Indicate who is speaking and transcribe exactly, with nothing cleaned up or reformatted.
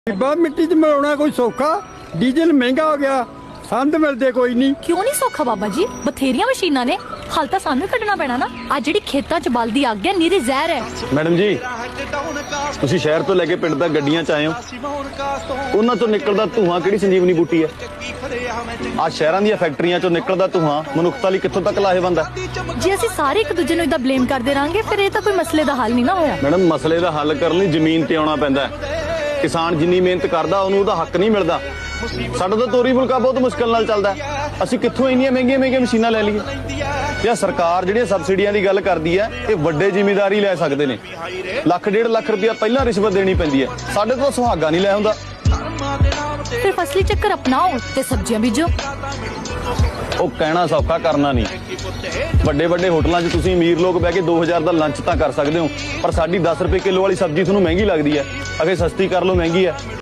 Speaker 1: डिब्बा मिट्टी च मिलाना कोई सौखा डीजल महंगा हो गया संद मिलते कोई नहीं।
Speaker 2: क्यों नहीं सौखा बाबा जी, बथेरिया मशीनां ने, हल तां सानू कड्ढना पैना ना। आ जिहड़ी खेतां च बलदी अग है नीरी जहर है।
Speaker 3: मैडम जी ਤੁਸੀਂ ਸ਼ਹਿਰ ਤੋਂ ਲੈ ਕੇ ਪਿੰਡ ਤੱਕ ਗੱਡੀਆਂ ਚ ਆਏ ਹੋ, ਉਹਨਾਂ ਤੋਂ ਨਿਕਲਦਾ ਧੂਆਂ ਕਿਹੜੀ ਸੰਜੀਵਨੀ ਬੂਟੀ ਹੈ? ਆ ਸ਼ਹਿਰਾਂ ਦੀਆਂ ਫੈਕਟਰੀਆਂ ਚੋਂ ਨਿਕਲਦਾ ਧੂਆਂ ਮਨੁੱਖਤਾ ਲਈ ਕਿੱਥੋਂ ਤੱਕ ਲਾਹੇਵੰਦ ਹੈ?
Speaker 2: ਜੇ ਅਸੀਂ ਸਾਰੇ ਇੱਕ ਦੂਜੇ ਨੂੰ ਇਦਾਂ ਬਲੇਮ ਕਰਦੇ ਰਾਂਗੇ ਫਿਰ ਇਹ ਤਾਂ ਕੋਈ ਮਸਲੇ ਦਾ ਹੱਲ ਨਹੀਂ ਨਾ ਹੋਇਆ।
Speaker 3: ਮੈਡਮ ਮਸਲੇ ਦਾ ਹੱਲ ਕਰਨ ਲਈ ਜ਼ਮੀਨ ਤੇ ਆਉਣਾ ਪੈਂਦਾ ਹੈ। ਕਿਸਾਨ ਜਿੰਨੀ ਮਿਹਨਤ ਕਰਦਾ ਉਹਨੂੰ ਉਹਦਾ ਹੱਕ ਨਹੀਂ ਮਿਲਦਾ। ਸਾਡਾ ਤਾਂ ਤੋਰੀ ਫੁਲਕਾ ਬਹੁਤ ਮੁਸ਼ਕਲ ਨਾਲ ਚੱਲਦਾ। ਅਸੀਂ ਕਿੱਥੋਂ ਇੰਨੀਆਂ ਮਹਿੰਗੀਆਂ ਮਹਿੰਗੀਆਂ ਮਸ਼ੀਨਾਂ ਲੈ ਲਈਏ? ਜਾਂ ਸਰਕਾਰ ਜਿਹੜੀਆਂ ਸਬਸਿਡੀਆਂ ਦੀ ਗੱਲ ਕਰਦੀ ਹੈ ਇਹ ਵੱਡੇ ਜ਼ਿਮੀਂਦਾਰ ਹੀ ਲੈ ਸਕਦੇ ਨੇ। ਲੱਖ ਡੇਢ ਲੱਖ ਰੁਪਇਆ ਪਹਿਲਾਂ ਰਿਸ਼ਵਤ ਦੇਣੀ ਪੈਂਦੀ ਹੈ, ਸਾਡੇ ਤੋਂ ਸੁਹਾਗਾ ਨਹੀਂ ਲੈ ਹੁੰਦਾ।
Speaker 2: ਫਿਰ ਫਸਲੀ ਚੱਕਰ ਅਪਣਾਓ ਤੇ ਸਬਜ਼ੀਆਂ ਬੀਜੋ।
Speaker 3: ਉਹ ਕਹਿਣਾ ਸੌਖਾ, ਕਰਨਾ ਨਹੀਂ। ਵੱਡੇ ਵੱਡੇ ਹੋਟਲਾਂ 'ਚ ਤੁਸੀਂ ਅਮੀਰ ਲੋਕ ਬਹਿ ਕੇ ਦੋ ਹਜ਼ਾਰ ਦਾ ਲੰਚ ਤਾਂ ਕਰ ਸਕਦੇ ਹੋ, ਪਰ ਸਾਡੀ ਦਸ ਰੁਪਏ ਕਿਲੋ ਵਾਲੀ ਸਬਜ਼ੀ ਤੁਹਾਨੂੰ ਮਹਿੰਗੀ ਲੱਗਦੀ ਹੈ। ਅਗੇ ਸਸਤੀ ਕਰ ਲਓ, ਮਹਿੰਗੀ ਹੈ।